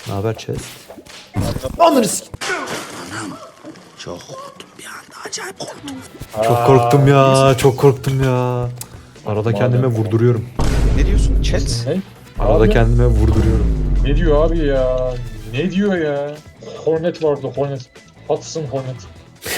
Ne haber chest? Ananı s***. Çok korktum bir anda. Acayip korktum. Çok korktum ya. Çok korktum ya. Arada kendime vurduruyorum. Ne diyorsun? Chat. Ne? Arada Abi, kendime vurduruyorum. ne diyor abi ya? Ne diyor ya? Hornet vardı Hornet. Hudson Hornet.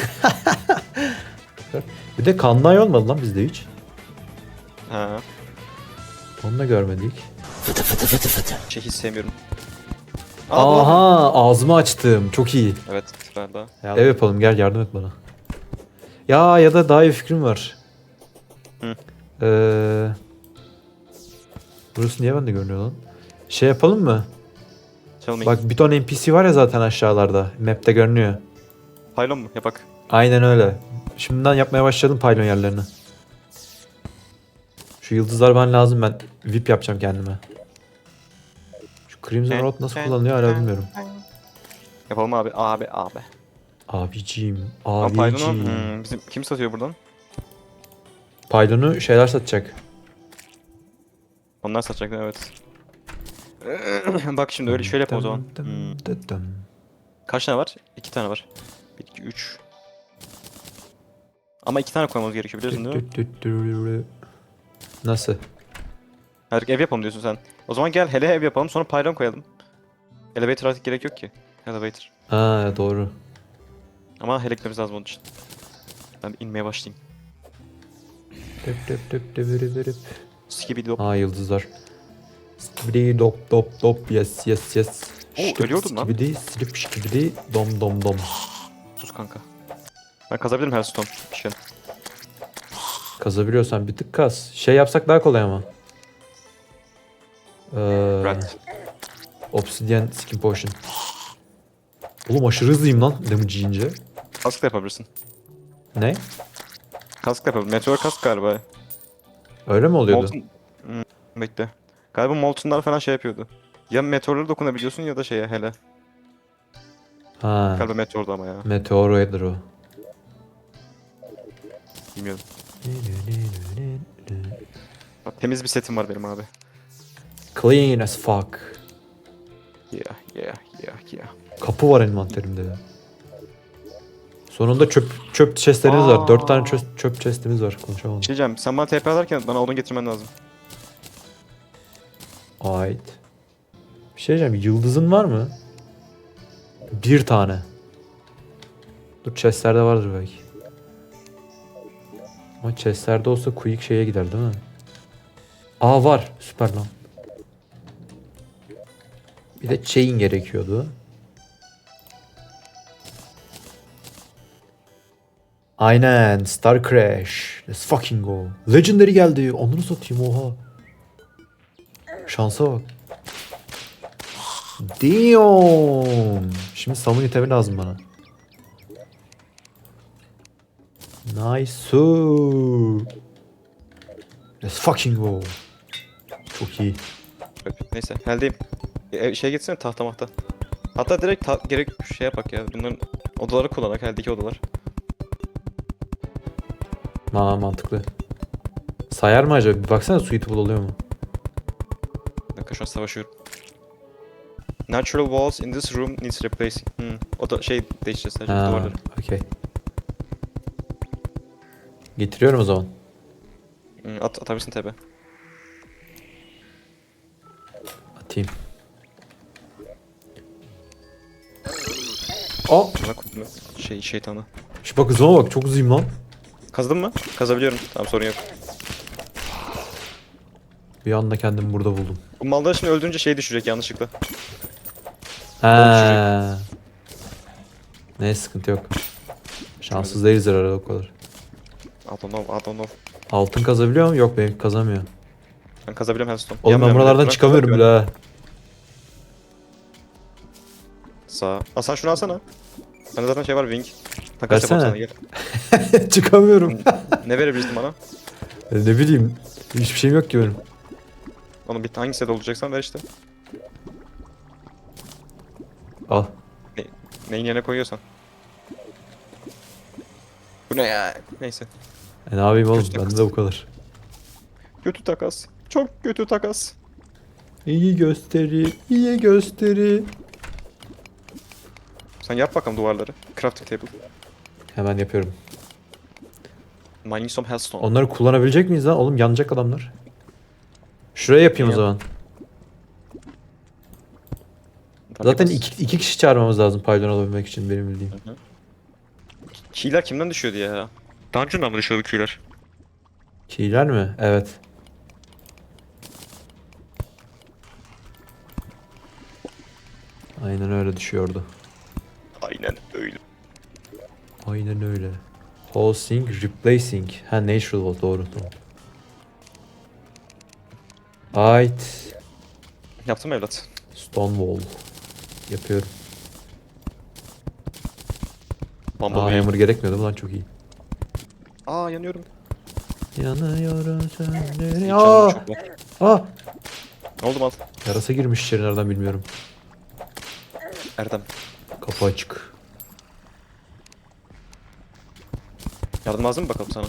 Bir de kanlay olmadı lan bizde hiç. Ha. Onu da görmedik. Şey hiç sevmiyorum. Aha ağzımı açtım. Çok iyi. Evet. Galiba. Ev yapalım gel yardım et bana. Ya da daha iyi fikrim var. Hı. Burası niye bende görünüyor lan? Şey yapalım mı? Tell me. Bak bir ton NPC var ya zaten aşağılarda. Map'te görünüyor. Pylon mu? Yapak. Aynen öyle. Şimdiden yapmaya başladım pylon yerlerini. Şu yıldızlar bana lazım, ben VIP yapacağım kendime. Şu Crimson Rod nasıl kullanılıyor hala bilmiyorum. Yapalım abi. Abi. Abiciğim, Ama Pylon'u abiciğim. bizim kim satıyor buradan? Pylon'u şeyler satacak. Onlar satacaklar evet. Bak şimdi öyle şöyle yapalım o zaman. Kaç tane var? 2 tane var. 1, 2, 3. Ama 2 tane koymamız gerekiyor biliyorsun değil mi? Nasıl? Her ev yapalım diyorsun sen. O zaman gel hele ev yapalım sonra pylon koyalım. Elevator artık gerek yok ki. Elevator. Ha doğru. Ama hele gitmemiz lazım onun için. Ben bir inmeye başlayayım. Skibidi dop. Aa yıldızlar. Skibidi dop dop dop yes yes yes. Oo, ölüyordum lan. Skibidi slip skibidi dom dom dom. Sus kanka. Ben kazabilirim her stone. Bir şey. Kazabiliyorsan bir tık kaz. Şey yapsak daha kolay ama. Rat. Obsidian skin potion. Oğlum aşırı hızlıyım lan damage yiyince. Kask da yapabilirsin. Ne? Kask da yapabilirsin. Meteor kask galiba. Öyle mi oluyordu? Molten... Bekle. Galiba Molten'lar falan şey yapıyordu. Ya meteorlara dokunabiliyorsun ya da şeye hele. Ha. Galiba meteordu ama ya. Meteoroider o. Bilmiyorum. Bak, temiz bir setim var benim abi. Clean as fuck. Yeah. Kapı var envanterimde ya. Sonunda çöp chestlerimiz var. 4 tane çöp chestimiz var. Konuşamadım. Bir şey diyeceğim. Sen bana TP atarken bana odun getirmen lazım. Ait. Bir şey diyeceğim. Yıldızın var mı? Bir tane. Dur chestlerde vardır belki. Ama chestlerde olsa quick şeye gider değil mi? Aa var. Süper lan. Bir de chain gerekiyordu. Aynen. Star Crash. Let's fucking go. Legendary geldi. Onları satayım oha. Şansa bak. Damn. Şimdi summon itemi lazım bana. Nice. Let's fucking go. Çok iyi. Neyse. Heldeyim. Şey gitsene tahta mahta. Hatta direkt gerek şey yapak ya. Bunların odaları kullanak. Heldeki odalar. Mantıklı. Sayar mı acaba? Bir baksana suitable oluyor mu? Bir dakika şu an savaşıyorum. Natural walls in this room needs replacing. O da şey değişeceğiz sadece duvarları. Okey. Getiriyorum o zaman. Atabilirsin tabi. Atayım. Aa! Bana koydum şeytanı. Şu bak hızıma bak, çok hızlıyım lan. Kazdın mı? Kazabiliyorum. Tamam sorun yok. Bir anda kendimi burada buldum. Bu malları şimdi öldürünce şey düşecek yanlışlıkla. Ha. Ne sıkıntı yok. Şanssız değiliz herhalde o kadar. I don't know. Altın kazabiliyor mu? Yok benim kazamıyor. Ben kazabiliyorum Hellstone. Oğlum ben buralardan çıkamıyorum bile ha. Sağ. Sen şunu alsana. Bende zaten şey var Wing. Takas Versene. yapalım sana gel. Çıkamıyorum. Ne verebilirsin bana? Ne bileyim. Hiçbir şeyim yok ki benim. Onu bir hangi set olacaksan ver işte. Al. Neyin yerine koyuyorsan. Bu ne ya? Neyse. Ne yapayım oğlum? Kötü Bende takas. de bu kadar. Kötü takas. Çok kötü takas. İyi gösteri. İyi gösteri. Sen yap bakalım duvarları. Crafting table. Hemen yapıyorum. Mining some hellstone. Onları kullanabilecek miyiz lan? Oğlum yanacak adamlar. Şuraya yapayım o Yap. zaman. Tabii Zaten bas. iki kişi çağırmamız lazım paydon alabilmek için benim bildiğim. Keyler kimden düşüyordu ya? Dungeon'dan mı düşüyordu keyler? Keyler mi? Evet. Aynen öyle düşüyordu. Aynen öyle. Aynen öyle. Hosting, replacing. Ha natural wall doğru tamam. Ait. Yaptım evlat. Stone wall. Yapıyorum. Bumblebee. Hammer gerekmiyordu lan çok iyi. Yanıyorum. Yanıyorum sönleri. Canım çok var. Aa! Ne oldu mal? Yarasa girmiş içeri nereden bilmiyorum. Erdem. Kapı açık. Yardım lazım mı bakalım sana?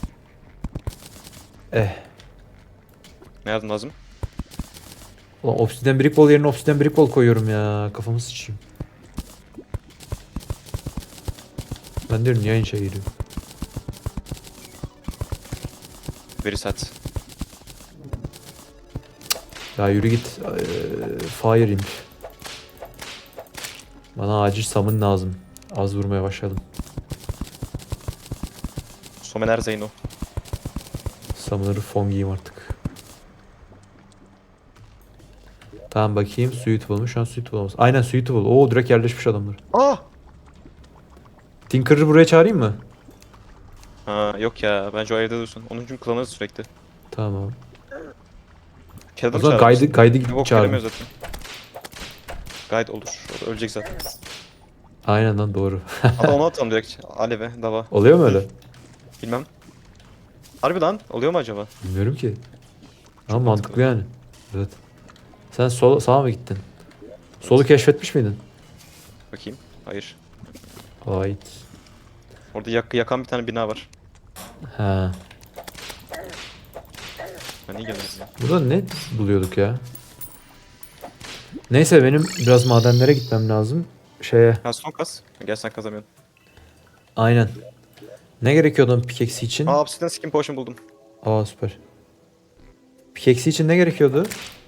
Ne yardım lazım? Ulan obsidian brick wall yerine obsidian brick wall koyuyorum ya. Kafamı sıçayım. Ben diyorum niye aynı şey geliyor. Very sad. Ya yürü git. Fire imp. Bana acil summon lazım. Az vurmaya başladım. Somener Zeyno. Summoner'ı fongiyim artık. Tamam bakayım suitable mu? Şu an suitable olmaz. Aynen suitable. Oo direkt yerleşmiş adamlar. Tinker'ı buraya çağırayım mı? Yok ya. Bence o evde dursun. Onun için kullanırız sürekli. Tamam. Kelden O zaman guide'ı Yok çağırın. gelemiyor zaten. Guide olur. O da ölecek zaten. Aynen lan doğru. Hatta onu atalım direkt. Aleve, dava. Oluyor mu öyle? Bilmem. Harbi lan. Oluyor mu acaba? Bilmiyorum ki. Ama Çok mantıklı mantıklı. yani. Evet. Sen sağa mı gittin? Solu keşfetmiş miydin? Bakayım. Hayır. Ait. Orada yakan bir tane bina var. Ha. Ben niye gelmedim ya? Burada ne buluyorduk ya? Neyse benim biraz madenlere gitmem lazım. Şeye. Son kas. Gel sen kazamıyorsun. Aynen. Ne gerekiyordu onun pickaxe için? Obsidian skin potion buldum. Aa süper. Pickaxe için ne gerekiyordu?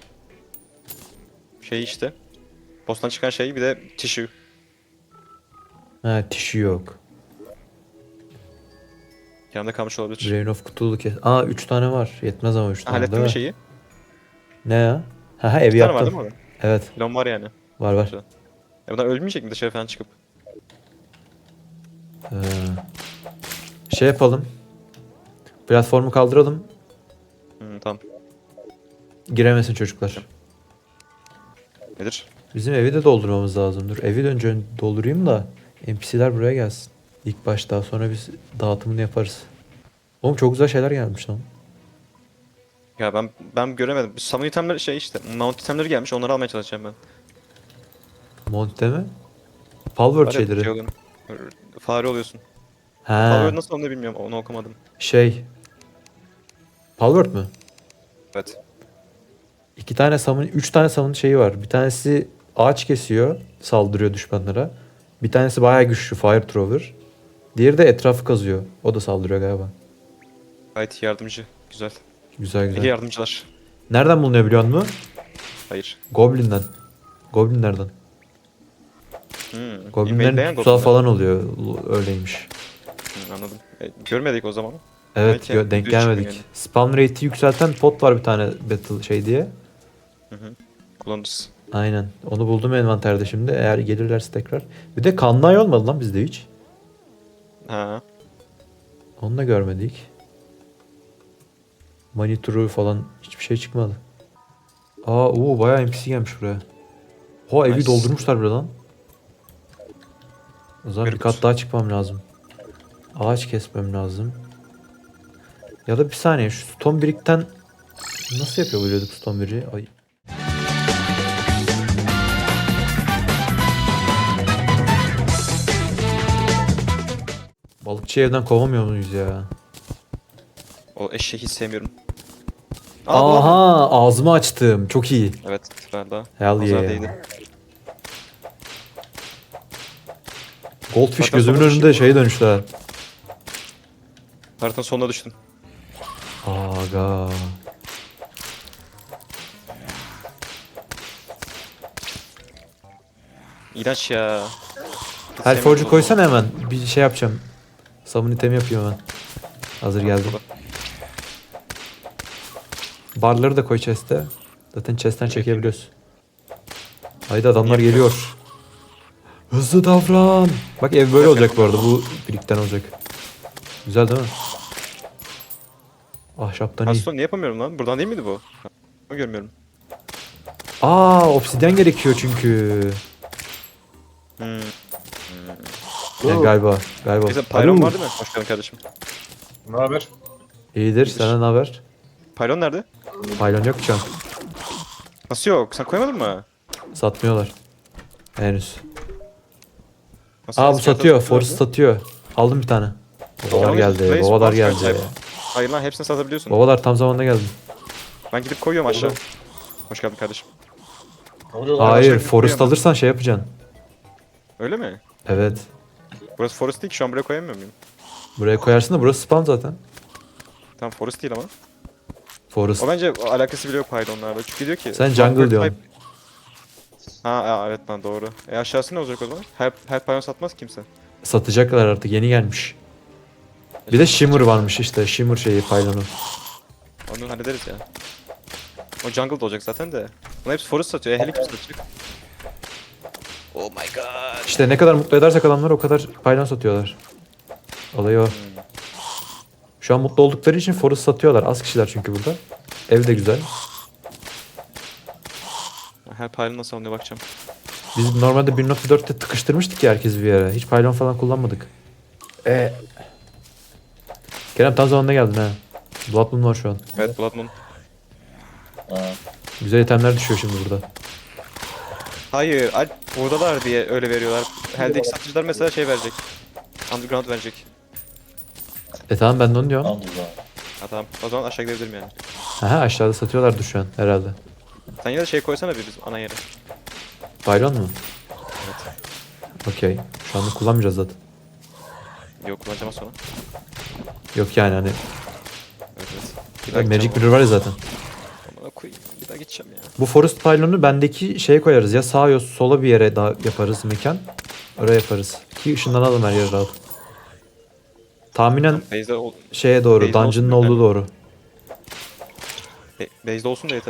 Şey işte. Boss'tan çıkan şey bir de tissue. Ha tissue yok. Yanımda kalmış olabilir. Drain of kutulu kes. Aa 3 tane var. Yetmez ama 3 tane Hallettin değil mi mi? şeyi? Ne ya? Ha evi Bir tane var yaptım. değil mi orada? Evet Plan var yani. var var. Güzel. Bunlar ölmeyecek mi dışarı falan çıkıp? Ee, şey yapalım. Platformu kaldıralım. Tamam. Giremesin çocuklar. Nedir? Bizim evi de doldurmamız lazım. Dur evi de önce doldurayım da NPC'ler buraya gelsin. İlk başta sonra biz dağıtımını yaparız. Oğlum çok güzel şeyler gelmiş lan. Ya ben göremedim. Summon itemleri şey işte. Mount itemleri gelmiş. Onları almaya çalışacağım ben. Monte mi? Palworld Var ya, şeyleri. şey oluyor. Fare oluyorsun. Ha Fare nasıl onu bilmiyorum. Onu okumadım. şey. Palworld mü? Evet. 2 tane summon, 3 tane summon şeyi var. Bir tanesi ağaç kesiyor, saldırıyor düşmanlara. Bir tanesi bayağı güçlü, fire thrower. Diğeri de etrafı kazıyor. O da saldırıyor galiba. Gayet yardımcı. Güzel. Güzel Peki güzel. yardımcılar. Nereden bulunuyor biliyor musun? Hayır. Goblin'den. Goblinlerden. Goblinlerin Invadeleyen tutsağı goblinler. falan oluyor. Öyleymiş. Anladım. Görmedik o zaman. Evet Belki denk düz gelmedik. çıkıyor yani. Spawn rate'i yükselten pot var bir tane battle şey diye. Kullanırız. Aynen. Onu buldum envanterde şimdi. Eğer gelirlerse tekrar. Bir de kanlı ay olmadı lan bizde hiç. Ha. Onu da görmedik. Monitörü falan hiçbir şey çıkmadı. Bayağı NPC gelmiş buraya. Evi Nice. doldurmuşlar bile lan. O zaman bir Garip. kat daha çıkmam lazım. Ağaç kesmem lazım. Ya da bir saniye şu stone brick'ten nasıl yapabiliyorduk stone brick'i? Ay. Balıkçı evden kovamıyor muyuz ya? O eşeği hiç sevmiyorum. Bu Aha ağzımı açtım. Çok iyi. evet. Ben daha. Hell Nazar yeah. değdi. Goldfish Zaten gözümün sonra önünde şeye dönüştü ha. Haritanın sonuna düştüm. Aga. İğrenç ya. Hiç Hellforge'u sevmiyorum koysana hemen. Bir şey yapacağım. Summon itemi yapayım hemen. Hazır geldi. Barları da koy chest'e. Zaten chest'ten çekebiliyoruz. Haydi adamlar geliyor. Hızlı davran. Bak ev böyle olacak bu arada. Bu birlikten olacak. Güzel değil mi? Ahşaptan iyi. Hearthstone niye yapamıyorum lan? Buradan değil miydi bu? Ama görmüyorum. Obsidyen gerekiyor çünkü. Hmm. Yani galiba. Neyse Pylon var değil mi? Hoş geldin kardeşim. Ne haber? İyidir. Senden ne haber? Pylon nerede? Pylon yok şu an. Nasıl yok? Sen koymadın mı? Satmıyorlar. Henüz. Nasıl Bu eski satıyor. hayatta Forest satıyor. Aldım bir tane. Babalar Yalnız geldi. Blaze Babalar Boss geldi. Sahip. Hayır lan hepsini satabiliyorsun. Babalar tam zamanında geldi. Ben gidip koyuyorum aşağı. Hoş geldin kardeşim. Ne oluyor lan? Hayır, Aşağı Forest gitmiyor alırsan şey yapacaksın. Öyle mi? Evet. Burası Forest değil ki şu an buraya koyamıyor muyum? Buraya koyarsın da burası spawn zaten. Tamam Forest değil ama. Forest. O bence alakası bile yok Pylon'larla. Çünkü diyor ki... Sen jungle Conquer diyorsun. type- evet lan doğru. Aşağısı ne olacak o zaman? Her Pylon satmaz kimse. Satacaklar artık. Yeni gelmiş. Bir de Shimmer varmış işte. Shimmer şeyi pylonu. Onu hallederiz ya. O jungle'da olacak zaten de. Bunlar hepsi Forest satıyor. Heli kim satacak? Oh my god. İşte ne kadar mutlu edersek adamları o kadar pylon satıyorlar. Olayı o. Şu an mutlu oldukları için Forest satıyorlar. Az kişiler çünkü burada. Ev de güzel. Her Pylon nasıl alınıyor bakacağım. Biz normalde 1.4'te tıkıştırmıştık ya herkes bir yere. Hiç pylon falan kullanmadık. Kerem tam zamanında geldin ha. Blood Moon var şu an. Evet Blood Moon. Ha. Güzel itemler düşüyor şimdi burada. Hayır, Alp buradalar diye öyle veriyorlar. Hell'deki satıcılar mesela şey verecek. Underground verecek. Tamam ben de onu diyorum. Anladım. Ha tamam. O zaman aşağı gidebilirim yani. Aha aşağıda satıyorlardı şu an herhalde. Sen yine de şey koysana bir bizim ana yere. Pylon mu? Evet. Okey. Şu anda kullanmayacağız zaten. Yok kullanacağım az sonra. Yok yani hani Evet evet. Bir daha Magic gideceğim Mirror var ya zaten. ama koyayım. Bir daha gideceğim ya. Bu Forest Pylon'u bendeki şeye koyarız ya sağa ya sola bir yere daha yaparız mekan. Oraya yaparız. Ki ışınlanalım her yere rahat. Tahminen Base'de, şeye doğru, Base'de olsun dungeon'ın yeter. olduğu doğru. base'de olsun da yeter.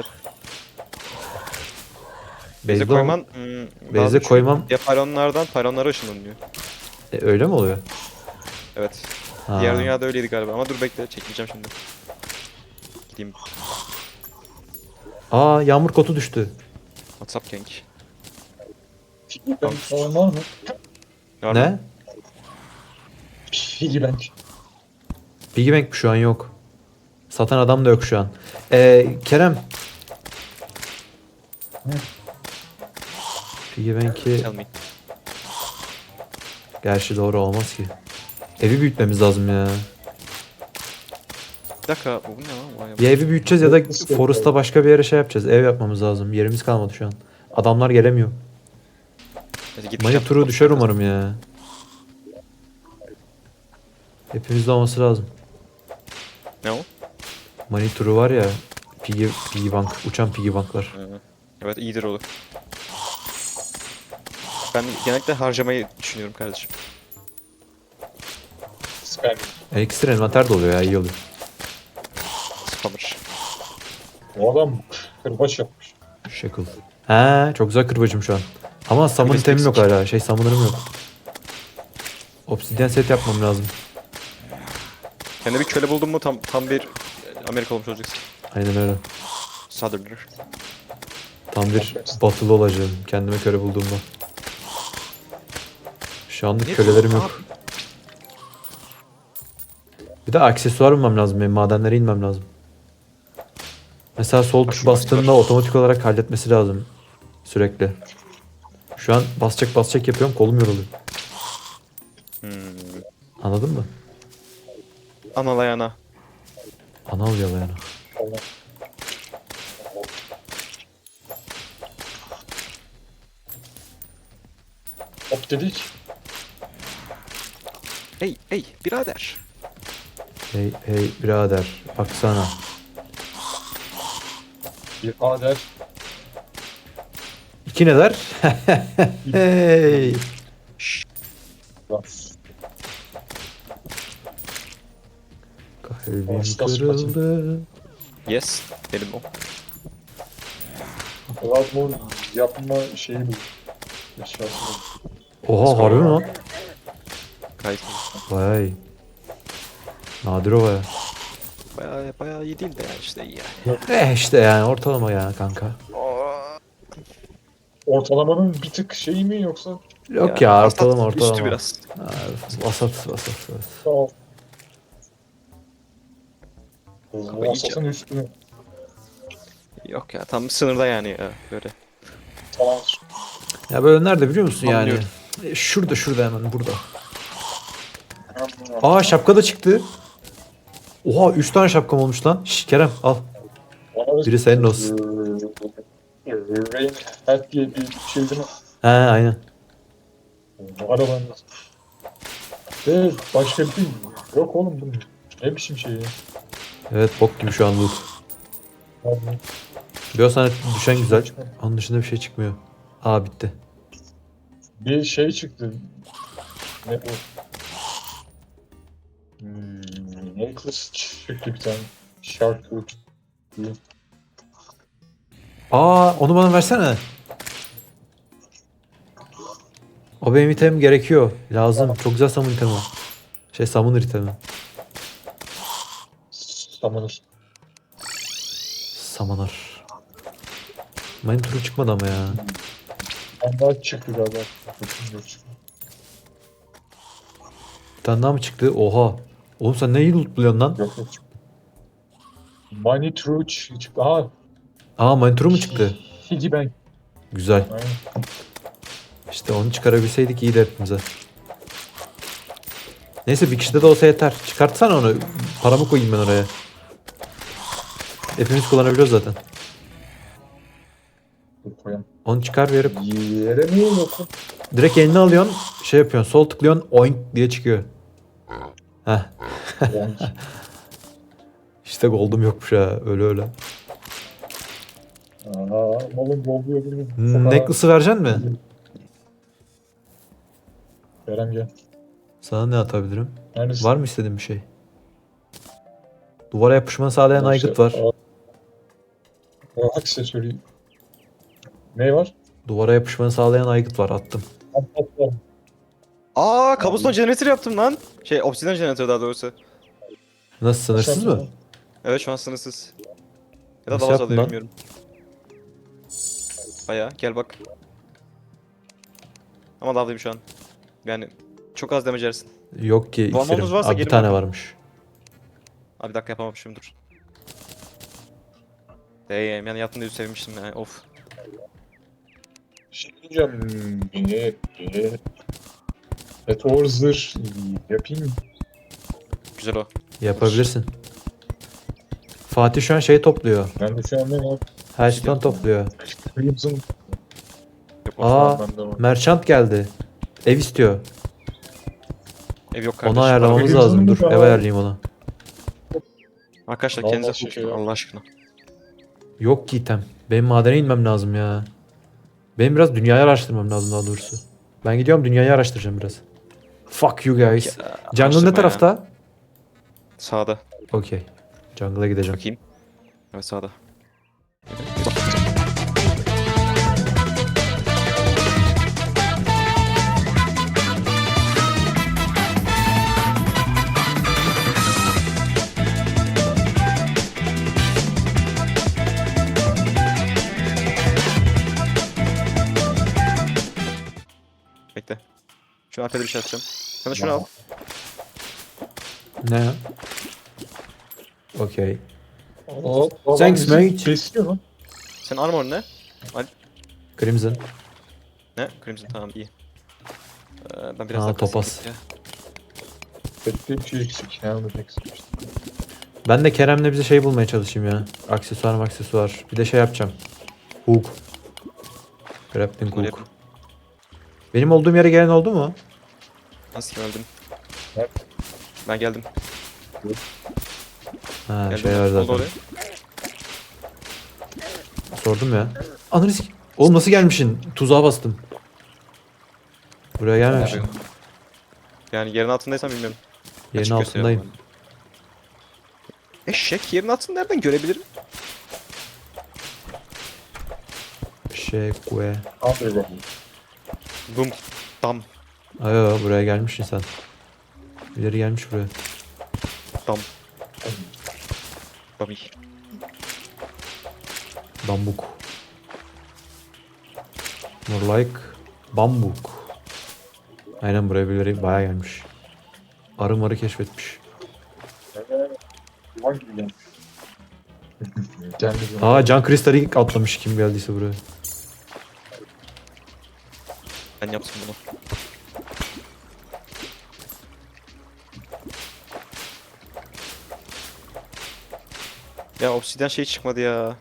Base'de Base'e ol- koyman... Base'e koymam. Ya pylonlardan pylonlara ışınlanıyor. Öyle mi oluyor? Evet. Ha. Diğer dünyada öyleydi galiba ama dur bekle çekileceğim şimdi. Gideyim. Yağmur kotu düştü. WhatsApp gang. Ben falan var mı? Var mı? Ne? Piggy Bank. Piggy Bank şu an yok. Satan adam da yok şu an. Kerem. Piggy Bank'i... Tell me. Gerçi doğru olmaz ki. Evi büyütmemiz lazım ya. Bir dakika bu ne lan? Vay Ya evi büyüteceğiz ya da Forest'ta başka bir yere şey yapacağız. Ev yapmamız lazım. Yerimiz kalmadı şu an. Adamlar gelemiyor. Neyse, git Money bir turu şey- düşer umarım ya. Hepimizde olması lazım. Ne o? Money turu var ya. Piggy Bank. Uçan Piggy Bank'lar. Evet iyidir olur. Ben genellikle harcamayı düşünüyorum kardeşim. Spam. Ekstra envanter de oluyor ya. İyi oluyor. Spammer. O adam kırbaç yapmış. Shackle. He, çok güzel kırbacım şu an. Ama summon Kırbacı itemim yok eksik. hala. Summon'ım yok. Obsidian set yapmam lazım. Kendine bir köle buldun mu tam bir Amerika olmuş olacaksın. Aynen öyle. Southerner. Tam bir batılı olacağım. Kendime köle bulduğumda. Şu anlık Ne kölelerim diyorsun yok. Bir de aksesuar bulmam lazım. Benim madenlere inmem lazım. Mesela sol tuş Şu bastığında aksesuar. otomatik olarak halletmesi lazım. Sürekli. Şu an basacak yapıyorum. Kolum yoruluyor. Anladın mı? Analayana. Ana oluyor yani. Allah. Hop dedik. Hey birader. Hey hey birader baksana. Bir adet. İki ne der? Hey. Bas. Kalbim Başka kırıldı. Yes. Benim o. Bloodborne yapma şeyi bu. Eşyası bu. Oha harbi mi lan? Gayet Vay. Nadir o baya. bayağı iyi değil de yani işte iyi yani. İşte yani ortalama ya kanka. Ortalamanın bir tık şeyi mi yoksa? Yok ya vasat, ortalama Üstü ortalama. biraz. Ha, vasat. Sağ ol. Ama iyice. Vasatın üstünü. Yok ya tam sınırda yani ya böyle. Tamam. Ya böyle nerede biliyor musun yani? Anlıyorum. Şurada hemen burada. Aa şapka da çıktı. Oha 3 tane şapkam olmuş lan. Şş, Kerem al. Biri senin olsun. Rain Hat diye bir şey değil mi? He aynen. Var o bende. Ve başka bir şey yok oğlum bu ne biçim şey ya. Evet bok gibi şu an loot. Abi, Bir sana düşen güzel. Onun dışında bir şey çıkmıyor. Aa bitti. bir şey çıktı. Ne bu? Necklace çıktı bir tane. Shark Tooth diye. Aa onu bana versene. O benim itemim gerekiyor. Lazım. Çok güzel summon itemi. Summoner itemi. Summoner. Summoner. Mine turu çıkmadı ama ya. Ben daha çıktı galiba. Bakayım yok çıktı. Bir tane daha mı çıktı? Oha. Oğlum sen neyi lootluyorsun lan? Yok çıktı. Money True çıktı. Aha. Aa mine turu mu çıktı? Piggy Bank. Güzel. Aynen. İşte onu çıkarabilseydik iyiydi hepimize. Neyse bir kişide de olsa yeter. Çıkartsana onu. Paramı koyayım ben oraya. Hepimiz kullanabiliyoruz zaten. Dur koyalım. Onu çıkar verip Yere mi yok? direkt eline alıyorsun. Şey yapıyorsun. Sol tıklıyorsun. Oink diye çıkıyor. Heh. Yani İşte gold'um yokmuş ha. Öyle. Aha, malın dolduyor gibi. Necklace'ı vereceksin mi? Kerem gel. Sana ne atabilirim? Neredesin? Var mı istediğin bir şey? Duvara yapışmanı sağlayan aygıt var. Aksesuarı. Ne var? Duvara yapışmanı sağlayan aygıt var. Attım. Patlar. Aa kabuston generator yaptım lan. Obsidian generator daha doğrusu. Nasıl sınırsız mı? Evet şu an sınırsız. Ya da Nasıl daha az yaptın alıyor lan? bilmiyorum. Baya gel bak. Ama lavdayım şu an. Yani çok az damage yersin. Yok ki Bu anonunuz iksirim. varsa Abi bir gelin tane bakın. varmış. Abi bir dakika yapamamışım dur. Yani yattığında sevmiştim yani of. Şey diyeceğim. Meteor zırh yapayım mı? Güzel o. Yapabilirsin. Fatih şu an şey topluyor. Ben de şu an ne var? Hearthstone topluyor. Crimson. Yok, Aa Ben de var. merchant geldi. Ev istiyor. ev yok kardeşim. Onu ayarlamamız Crimson lazım. Dur mu? ev ayarlayayım onu. Arkadaşlar Allah kendinize şey korkun ya. Allah aşkına. Yok ki item. Benim madene inmem lazım ya. Benim biraz dünyayı araştırmam lazım daha doğrusu. Ben gidiyorum dünyayı araştıracağım biraz. Fuck you guys. Jungle Araştırma ne ya. tarafta? Sağda. Okey. Jungle'a gideceğim. Bakayım. Evet sağda. Bekle. Şu arkada bir şey atacağım. Sen de şunu al. Ne? Okey. Aa, Thanks, bizi mate. Kesiyor lan. Senin armor ne? Crimson. Ne? Crimson tamam iyi. Ben biraz Aa, daha topaz. kasayım ya. Bekle bir şey eksik. Helmet eksik. Ben de Kerem'le bize şey bulmaya çalışayım ya. Aksesuar. Bir de şey yapacağım. Hook. Grappling Bunları hook. yapayım. Benim olduğum yere gelen oldu mu? Nasıl öldüm? Ben geldim. Ha Geldim. şey var Ne oldu zaten. oraya? Sordum ya. Ananı Oğlum nasıl gelmişsin? Tuzağa bastım. Buraya gelmemişsin. Yani yerin altındaysan bilmiyorum. Yerin Açık gösteriyor altındayım. bana. Eşek yerin altını nereden görebilirim? Şekwe. Hadi bakalım. Bum. Dam. Ayo buraya gelmişsin sen. İleri gelmiş buraya. Dam. Bami. Bambuk. More like bambuk. Aynen buraya birileri bayağı gelmiş. Arı marı keşfetmiş. Yuvan gibi gelmiş. Kendi Aa can kristali atlamış kim geldiyse buraya. Ben yaptım bunu. Ya obsidian şey çıkmadı ya.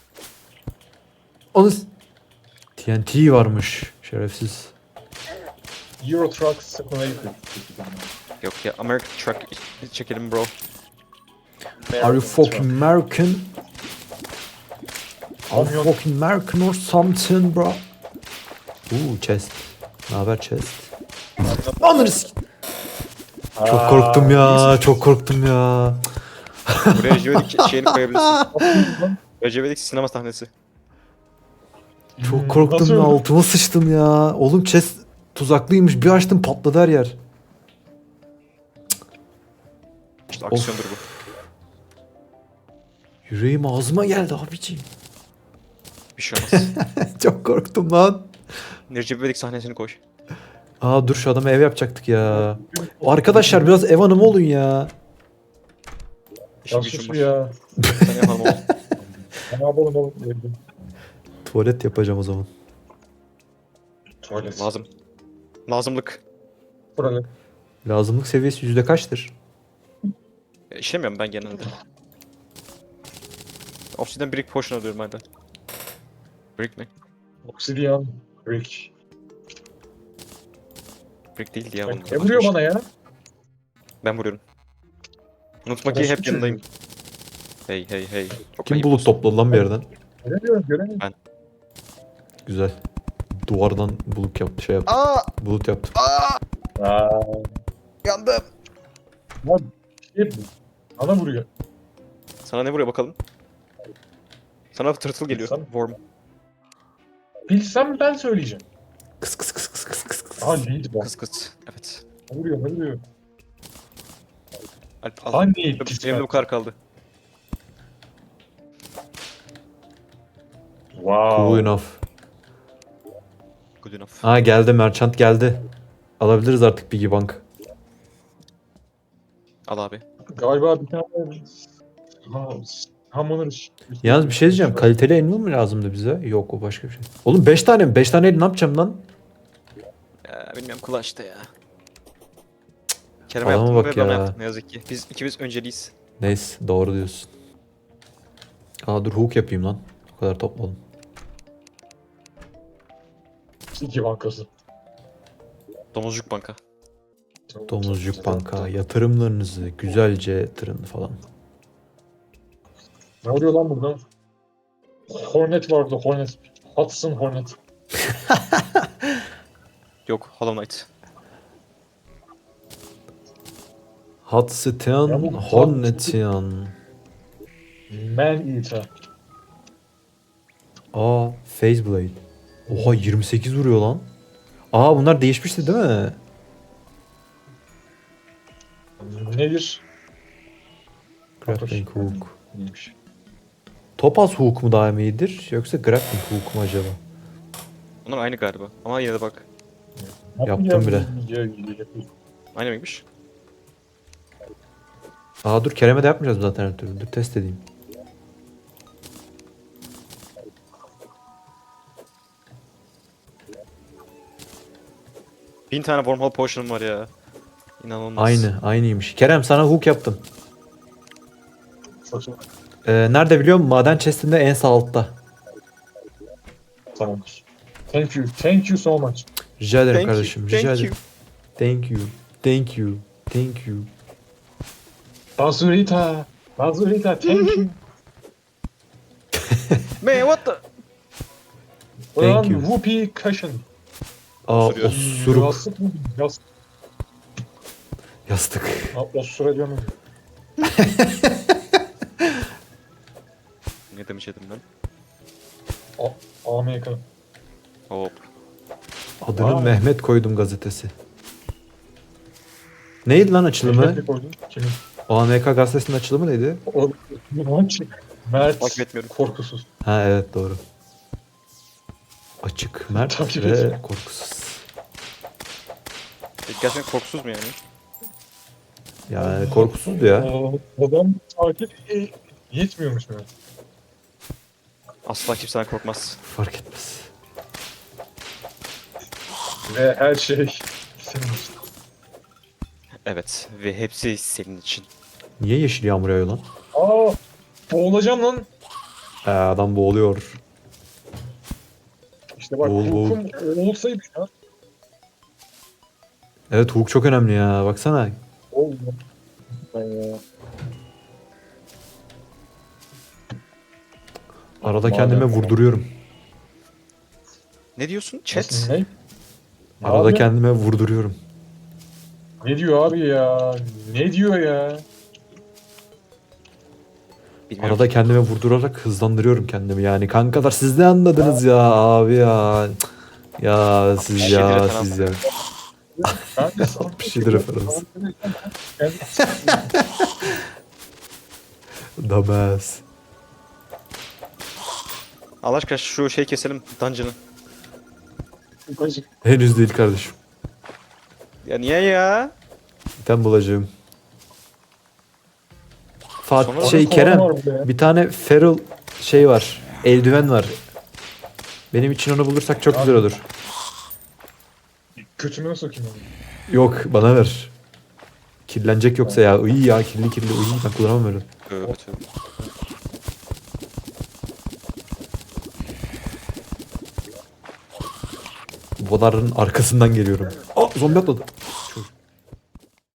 Onu TNT varmış şerefsiz. Euro Truck Simulator. Yok ya American Truck çekelim bro. Are you fucking American? Are you Kamyon. fucking American or something bro? Chest. Ne haber chest? Ananı Çok korktum ya, çok korktum ya. Buraya Rejevedik şeyini koyabilirsin. Rejevedik sinema sahnesi. Çok korktum Nasıl ya, öldü? altıma sıçtım ya. Oğlum chest tuzaklıymış. Bir açtım patladı her yer. İşte aksiyondur bu. Yüreğim ağzıma geldi abiciğim. Bir şey olmaz. Çok korktum lan. Rejevedik sahnesini koy. Aa dur şu adama ev yapacaktık ya. Arkadaşlar biraz ev hanımı olun ya. İşin Ya gücün sus var. ya. Sen yapalım oğlum. Ne yapalım oğlum? Evde. Tuvalet yapacağım o zaman. Tuvalet. Lazım. Lazımlık. Burada. Lazımlık seviyesi yüzde kaçtır? İşlemiyorum ben genelde. Obsidian brick potion alıyorum hala. Brick mi? Obsidian. Brick. Brick değildi ya Bak, bunun. ne vuruyor bana ya? Ben vuruyorum. Unutma ki Orospu hep yanındayım. çocuğu. Hey hey hey. Çok Kim ayıp bulut olsun. topladı lan bir yerden? Göremiyorum göremiyorum. Güzel. Duvardan bulut yaptı, şey yaptı. Aa! Bulut yaptı. Aa, Yandım. lan şey bu. Bana vuruyor. Sana ne vuruyor bakalım? Sana tırtıl geliyor. Sen- Worm. Bilsem ben söyleyeceğim. Kıs kıs kıs kıs kıs kıs kıs. Aha lead bak. Kıs kıs. Evet. Ne vuruyor ne vuruyor. Alp al. Hangi Benim de bu kadar kaldı. Wow. Cool enough. Good enough. Ha geldi, merchant geldi. Alabiliriz artık Piggy Bank. Al abi. Galiba bir tane hamuruz. Yalnız bir şey diyeceğim. Kaliteli elma mı lazımdı bize? Yok, o başka bir şey. Oğlum 5 tane mi? 5 tane el ne yapacağım lan? Ya, bilmiyorum kulağı işte ya. Kerem Adama yaptım bak ve bana ya. yaptım ne yazık ki. Biz ikimiz önceliyiz. Neyse, doğru diyorsun. Aa dur hook yapayım lan. O kadar topladım. İki bankası. Domuzcuk banka. Domuzcuk Bank'a yatırımlarınızı güzelce yatırın falan. Ne oluyor lan burada? Hornet vardı Hornet. Hudson Hornet. Yok Hollow Knight. Hatsitian Ya bu- Hornetian. Man Eater. Aa Phase Blade. Oha 28 vuruyor lan. Aa bunlar değişmişti değil mi? Nedir? Grappling Hook. Neymiş? Topaz Hook mu daha iyidir yoksa Grappling Hook mu acaba? Onlar aynı galiba. Ama yine de bak. Yaptım bile. Aynı mıymış? Aa dur Kerem'e de yapmayacağız zaten her türlü. Dur test edeyim. Bin tane wormhole potion'um var ya. İnanılmaz. Aynıymış. Kerem sana hook yaptım. Saçma. Nerede biliyor musun? Maden chest'inde en sağ altta. Tamamdır. Thank you. Thank you so much. Rica ederim Thank you, kardeşim. thank Rica you. ederim. Thank you. Thank you. Thank you. Bazurita. Bazurita thank you. Man what the? Ulan you. whoopee cushion. Aa Osuruyor. osuruk. Yastık mı? Yastık. Yastık. Ha, osura diyorum. Ne demiş yedim ben? Amerika. Hop. Adını Aa. Mehmet koydum gazetesi. Neydi lan açılımı? Mehmet'le koydum. Kimin? OAMK gazetesinin açılımı neydi? O Mert Takip etmiyorum. korkusuz. Ha evet doğru. Açık, mert Takip ve etmiyorum. korkusuz. Gerçekten korkusuz mu yani? Yani korkusuzdu ya. Adam takip yetmiyormuş mu? Asla kimseden korkmaz. Fark etmez. Ve her şey senin için. Evet ve hepsi senin için. Niye yeşil yağmur yağıyor lan? Aa, boğulacağım lan. Adam boğuluyor. İşte bak Boğul, boğul. hukum olsaydı ya. Evet hukuk çok önemli ya. Baksana. Oldu. Ben ya. Arada Madem- kendime vurduruyorum. Ne diyorsun? Chat. Ne? Arada Abi, kendime vurduruyorum. ne diyor abi ya? Ne diyor ya? Bilmiyorum. Arada kendime vurdurarak hızlandırıyorum kendimi. Yani kankalar siz ne anladınız ya abi ya. Cık. Ya siz Şeydir ya efendim. siz ya. Ben de sana Bir şeydir referans. Damaz. Allah aşkına şu şey keselim. Dungeon'ı. Henüz değil kardeşim. Ya niye ya? Ben bulacağım. Fatih Sonra şey kovan Kerem var burada ya. bir tane feral şey var. Eldiven var. Benim için onu bulursak çok güzel olur. Kötümüne sokayım onu. Yok bana ver. Kirlenecek yoksa ya. İyi ya kirli kirli. İyi ben kullanamam öyle. Tövbe tövbe. Bunların arkasından geliyorum. Aa zombi atladı.